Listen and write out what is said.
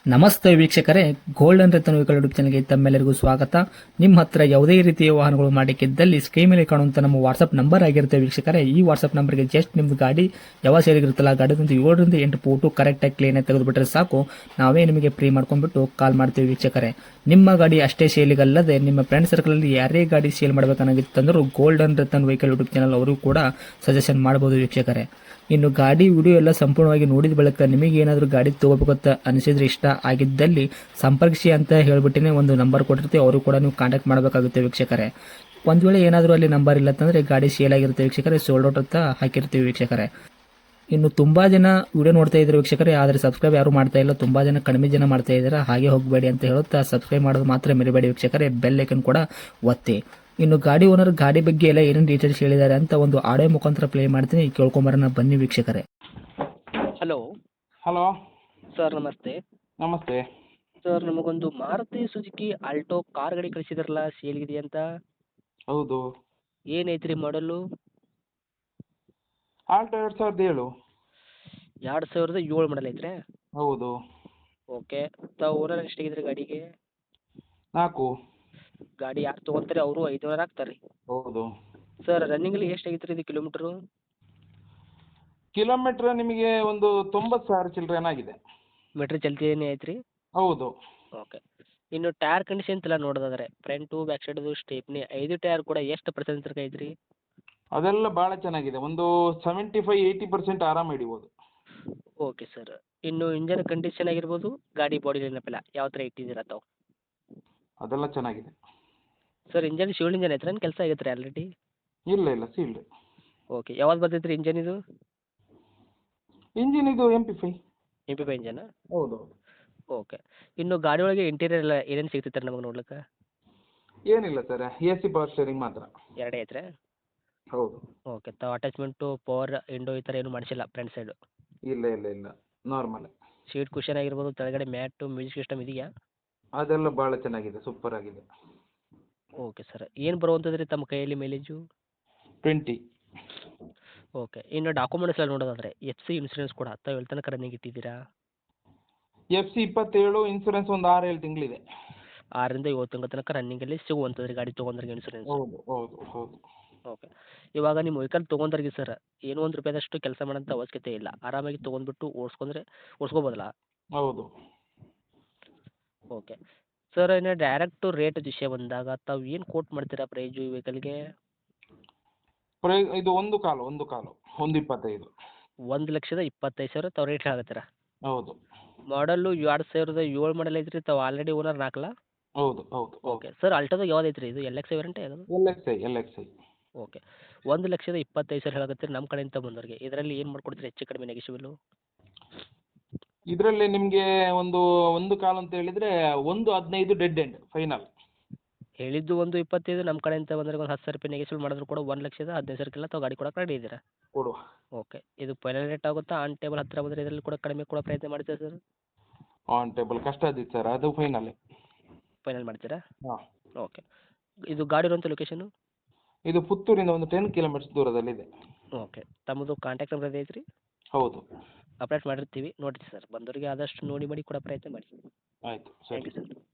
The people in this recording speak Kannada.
ನಮಸ್ತೆ ವೀಕ್ಷಕರೇ, ಗೋಲ್ಡನ್ ರತನ್ ವೆಹಿಕಲ್ ಯೂಟ್ಯೂಬ್ ಚಾನಲ್ಗೆ ತಮ್ಮೆಲ್ಲರಿಗೂ ಸ್ವಾಗತ. ನಿಮ್ಮ ಹತ್ರ ಯಾವುದೇ ರೀತಿಯ ವಾಹನಗಳು ಮಾಡಿಕ್ಕಿದ್ದಲ್ಲಿ ಸ್ಕ್ರೀನ್ ಮೇಲೆ ಕಾಣುವಂತ ನಮ್ಮ ವಾಟ್ಸ್ಆಪ್ ನಂಬರ್ ಆಗಿರುತ್ತೆ ವೀಕ್ಷಕರೇ. ಈ ವಾಟ್ಸ್ಆಪ್ ನಂಬರ್ಗೆ ಜಸ್ಟ್ ನಿಮ್ದು ಗಾಡಿ ಯಾವ ಸೇರಿಗಿರುತ್ತಲ್ಲ ಗಾಡಿದಂತ 7ರಿಂದ 8 ಫೋಟೋ ಕರೆಕ್ಟಾಗಿ ಕ್ಲೀನ್ ಆಗಿ ತೆಗೆದುಬಿಟ್ರೆ ಸಾಕು, ನಾವೇ ನಿಮಗೆ ಫ್ರೀ ಮಾಡ್ಕೊಂಡ್ಬಿಟ್ಟು ಕಾಲ್ ಮಾಡ್ತೀವಿ ವೀಕ್ಷಕರೇ. ನಿಮ್ಮ ಗಾಡಿ ಅಷ್ಟೇ ಸೇಲಿಗಲ್ಲದೆ ನಿಮ್ಮ ಫ್ರೆಂಡ್ ಸರ್ಕಲ್ ಅಲ್ಲಿ ಯಾರೇ ಗಾಡಿ ಸೇಲ್ ಮಾಡಬೇಕನ್ನಾಗಿತ್ತಂದ್ರೂ golden Ratan vehicle YouTube channel ಅವರು ಕೂಡ ಸಜೆಷನ್ ಮಾಡಬಹುದು ವೀಕ್ಷಕರೇ. ಇನ್ನು ಗಾಡಿ ವಿಡಿಯೋ ಎಲ್ಲ ಸಂಪೂರ್ಣವಾಗಿ ನೋಡಿದ ಬಳಿಕ ನಿಮಗೆ ಏನಾದರೂ ಗಾಡಿ ತಗೋಬೇಕಂತ ಅನಿಸಿದ್ರೆ, ಇಷ್ಟ ಆಗಿದ್ದಲ್ಲಿ ಸಂಪರ್ಕಿಸಿ ಅಂತ ಹೇಳ್ಬಿಟ್ಟಿನೇ ಒಂದು ನಂಬರ್ ಕೊಟ್ಟಿರ್ತೀವಿ, ಅವರು ಕೂಡ ನೀವು ಕಾಂಟ್ಯಾಕ್ಟ್ ಮಾಡಬೇಕಾಗುತ್ತೆ ವೀಕ್ಷಕರೇ. ಒಂದು ವೇಳೆ ಏನಾದರೂ ಅಲ್ಲಿ ನಂಬರ್ ಇಲ್ಲ ಅಂತಂದರೆ ಗಾಡಿ ಸೇಲ್ ಆಗಿರುತ್ತೆ ವೀಕ್ಷಕರೇ, ಸೋಲ್ಡ್ ಔಟ್ ಅಂತ ಹಾಕಿರ್ತೀವಿ ವೀಕ್ಷಕರೇ. ಇನ್ನು ತುಂಬಾ ಜನ ವಿಡಿಯೋ ನೋಡ್ತಾ ಇದ್ದಾರೆ ವೀಕ್ಷಕರೇ, ಆದರೆ ಸಬ್ಸ್ಕ್ರೈಬ್ ಯಾರು ಮಾಡ್ತಾ ಇಲ್ಲ, ತುಂಬಾ ಜನ ಕಡಿಮೆ ಜನ ಮಾಡ್ತಾ ಇದ್ದಾರೆ. ಹಾಗೆ ಹೋಗಬೇಡಿ ಅಂತ ಹೇಳುತ್ತಾ ಸಬ್ಸ್ಕ್ರೈಬ್ ಮಾಡೋದು ಮಾತ್ರ ಮರಿಬೇಡಿ ವೀಕ್ಷಕರೇ, ಬೆಲ್ ಐಕನ್ ಕೂಡ ಒತ್ತಿ. ಇನ್ನು ಗಾಡಿ ಓನರ್ ಗಾಡಿ ಬಗ್ಗೆ ಎಲ್ಲ ಏನೇನು ಡೀಟೇಲ್ಸ್ ಹೇಳಿದ್ದಾರೆ ಅಂತ ಒಂದು ಆಡಿಯೋ ಮುಖಾಂತರ ಪ್ಲೇ ಮಾಡ್ತೀನಿ, ಕೇಳ್ಕೊಂಬರೋಣ ಬನ್ನಿ ವೀಕ್ಷಕರೇ. ಹಲೋ ಹಲೋ ಸರ್, ನಮಸ್ತೆ. ನಮಸ್ತೆ. ಸರ್, ನಮಗೊಂದು ಮಾರುತಿ ಸುಜುಕಿ ಆಲ್ಟೋ ಕಾರ್ ಗಾಡಿ ಕಳಿಸಿದ್ರಲ್ಲ, ಸೇಲ್ಗಿದೆ ಅಂತ. ಹೌದು. ಏನೈತ್ರಿ ಮಾಡಲು? ಆಲ್ಟೋ 2007. 2007 ಮಾಡಲ್ ಐತ್ರಿ? ಹೌದು. ಓಕೆ. ತಾವು ಓನರ್ ಎಷ್ಟಾಗಿದ್ರಿ ಗಾಡಿಗೆ? 4. ಗಾಡಿ ಯಾರು ತೊಗೊಂತಾರೆ ಅವರು 500 ಹಾಕ್ತಾರೆ. ಹೌದು. ಸರ್, ರನ್ನಿಂಗಲ್ಲಿ ಎಷ್ಟಾಗಿತ್ತು ರೀ ಇದು ಕಿಲೋಮೀಟ್ರು? ಕಿಲೋಮೀಟ್ರ್ ನಿಮಗೆ ಒಂದು 90,000 ಚಿಲ್ಲರೆನಾಗಿದೆ. ಮೀಟ್ರ್ ಚಲ್ತಿನೇ ಐತ್ರಿ? ಹೌದು. ಓಕೆ. ಇನ್ನು ಟೈರ್ ಕಂಡೀಷನ್ ಎಲ್ಲ ನೋಡೋದಾದ್ರೆ ಫ್ರಂಟು ಬ್ಯಾಕ್ ಸೈಡ್ದು ಸ್ಟೇಪ್ನಿ 5 ಟೈರ್ ಕೂಡ ಎಷ್ಟು ಪರ್ಸೆಂಟ್ ತನಕ ಐತ್ರಿ? ಅದೆಲ್ಲ ಭಾಳ ಚೆನ್ನಾಗಿದೆ. ಒಂದು 75-80% ಆರಾಮ ಹಿಡಿಬೋದು. Okay sir. ಇನ್ನು ಇಂಜನ್ ಕಂಡೀಷನ್ ಆಗಿರ್ಬೋದು, ಗಾಡಿ ಬಾಡಿ ನೆನಪಿಲ್ಲ ಯಾವ ಥರ ಇಟ್ಟಿದ್ದೀರಾ ತಾವು? ಅದೆಲ್ಲ ಚೆನ್ನಾಗಿದೆ. ಸರ್, ಇಂಜನ್ ಶಿವಲ್ ಇಂಜನ್ ಐತ್ರಿ, ಕೆಲಸ ಆಗೈತೆ ರೀ ಆಲ್ರೆಡಿ? ಇಲ್ಲ ಇಲ್ಲ, ಸೀಲ್ಡ್. ಓಕೆ. ಯಾವ್ದು ಬರ್ತೈತೆ ರೀ ಇಂಜನ್ ಇದು? ಇಂಜಿನ್ ಇದು MP5. MP5 engine? ಹೌದು. ಓಕೆ. ಇನ್ನು ಗಾಡಿ ಒಳಗೆ ಇಂಟೀರಿಯರ್ ಎಲ್ಲ ಏನೇನು ಸಿಗ್ತೈತೆ ರೀ ನಮಗೆ ನೋಡ್ಲಿಕ್ಕೆ? ಏನಿಲ್ಲ ಸರ್, AC ಪವರ್ ಸ್ಟೇರಿಂಗ್ ಮಾತ್ರ. ಎರಡೇ ಐತ್ರಿ? ಹೌದು. ಓಕೆ. ತಾವು ಅಟ್ಯಾಚ್ಮೆಂಟು ಪವರ್ ವಿಂಡೋ ಈ ಥರ ಏನು ಮಾಡಿಸಿಲ್ಲ ಫ್ರಂಟ್ ಸೈಡು? ಇಲ್ಲ ಇಲ್ಲ ಇಲ್ಲ, ನಾರ್ಮಲ್. ಸೀಟ್ ಕುಷನ್ ಆಗಿರ್ಬೋದು, ಕೆಳಗಡೆ ಮ್ಯಾಟು, ಮ್ಯೂಸಿಕ್ ಸಿಸ್ಟಮ್ ಇದೆಯಾ? ಅದೆಲ್ಲ ಭಾಳ ಚೆನ್ನಾಗಿದೆ, ಸೂಪರ್ ಆಗಿದೆ. Okay sir. ಏನು ಬರುವಂಥದ್ದು ರೀ ತಮ್ಮ ಕೈಯಲ್ಲಿ ಮೈಲೇಜು? 20. ಓಕೆ. ಇನ್ನು ಡಾಕ್ಯುಮೆಂಟ್ಸ್ ಎಲ್ಲ ನೋಡೋದಾದ್ರೆ FC ಇನ್ಸೂರೆನ್ಸ್ ಕೂಡ ತಾವು ಎಲ್ಲಿ ತನಕ ರನ್ನಿಂಗ್ ಇಟ್ಟಿದ್ದೀರಾ? FC 27, ಇನ್ಸೂರೆನ್ಸ್ ಒಂದು 6-7 ತಿಂಗಳಿದೆ. 6ರಿಂದ 7 ತಿಂಗಳ ತನಕ ರನ್ನಿಂಗಲ್ಲಿ ಸಿಗುವಂಥದ್ದು ರೀ ಗಾಡಿ ತೊಗೊಂಡ್ರಿಗೆ ಇನ್ಸೂರೆನ್ಸ್? ಹೌದು ಹೌದು ಹೌದು. ಓಕೆ. ಇವಾಗ ನಿಮ್ಮ ವೆಹಿಕಲ್ ತೊಗೊಂಡ್ರಿಗೆ ಸರ್, ಏನೋ ಒಂದು ರೂಪಾಯಿದಷ್ಟು ಕೆಲಸ ಮಾಡೋಂಥ ಅವಶ್ಯಕತೆ ಇಲ್ಲ, ಆರಾಮಾಗಿ ತೊಗೊಂಡ್ಬಿಟ್ಟು ಓಡಿಸ್ಕೋಬೋದಲ್ಲ? ಹೌದು. ಓಕೆ. ಸರ್, ಇನ್ನು ಡೈರೆಕ್ಟು ರೇಟ್ ವಿಷಯ ಬಂದಾಗ ತಾವು ಏನು ಕೋಟ್ ಮಾಡ್ತೀರಾ ಪ್ರೈಜು ಈ ವೆಹಿಕಲ್ಗೆ? ಇದು ಒಂದು ಕಾಲು 1.25. 1,25,000 ತಾವು ರೇಟ್ ಹೇಳಕತ್ತೀರಾ? ಹೌದು. ಮಾಡಲ್ಲು 2007 ಮಾಡಲ್ ಐತ್ರಿ, ತಾವು ಆಲ್ರೆಡಿ ಓನರ್ 4? ಹೌದು ಹೌದು. ಓಕೆ. ಸರ್, ಅಲ್ಟೋದಾಗ ಯಾವ್ದು ಐತ್ರಿ ಇದು? LX ವೇರಿಯಂಟ್ ಯಾವುದು? LXI. ಓಕೆ. 1,25,000 ಹೇಳಕತ್ತೀರಿ ನಮ್ಮ ಕಡೆಯಿಂದ ಬಂದವ್ರಿಗೆ, ಇದರಲ್ಲಿ ಏನು ಮಾಡ್ಕೊಡ್ತೀರಿ ಹೆಚ್ಚು ಕಡಿಮೆ ನೆಗೆಶಿಬಲು? ಇದರಲ್ಲಿ ನಿಮಗೆ ಒಂದು ಕಾಲು ಅಂತ ಹೇಳಿದರೆ 1.15 ಡೆಡ್ ಎಂಡ್ ಫೈನಲ್. ಹೇಳಿದ್ದು 1,25, ನಮ್ಮ ಕಡೆಯಿಂದ ಬಂದ್ರೆ ಒಂದು 10,000 ರೂಪಾಯಿ ನೆಗೆಶಿಬಲ್ ಮಾಡಿದ್ರು ಕೂಡ 1,15,000 ತಾವು ಗಾಡಿ ಕೊಡಕ್ಕೆ ರೆಡಿ ಇದ್ದೀರಾ? ಕೊಡುವ. ಓಕೆ. ಇದು ಫೈನಲ್ ರೇಟ್ ಆಗುತ್ತಾ? ಆನ್ ಟೇಬಲ್ ಹತ್ತಿರ ಬಂದರೆ ಇದರಲ್ಲಿ ಕೂಡ ಕಡಿಮೆ ಕೊಡೋ ಪ್ರಯತ್ನ ಮಾಡ್ತೀರಾ ಸರ್? ಆನ್ ಟೇಬಲ್ ಕಷ್ಟ ಆದಿತ್ತು ಸರ್, ಅದು ಫೈನಲ್. ಫೈನಲ್ ಮಾಡ್ತೀರಾ? ಹಾಂ. ಓಕೆ. ಇದು ಗಾಡಿ ಇರುವಂಥ ಲೊಕೇಶನು? ಇದು ಪುತ್ತೂರಿಂದ ಒಂದು 10 ಕಿಲೋಮೀಟರ್ಸ್ ದೂರದಲ್ಲಿದೆ. ಓಕೆ. ತಮ್ಮದು ಕಾಂಟ್ಯಾಕ್ಟ್ ನಂಬರ್ ಐತ್ರಿ? ಹೌದು. ಅಪ್ಡೇಟ್ ಮಾಡಿರ್ತೀವಿ, ನೋಡಿರಿ ಸರ್, ಬಂದವರಿಗೆ ಆದಷ್ಟು ನೋಡಿ ಮಾಡಿ ಕೊಡೋ ಪ್ರಯತ್ನ ಮಾಡಿ. ಆಯಿತು ಥ್ಯಾಂಕ್ ಸರಿ. You sir.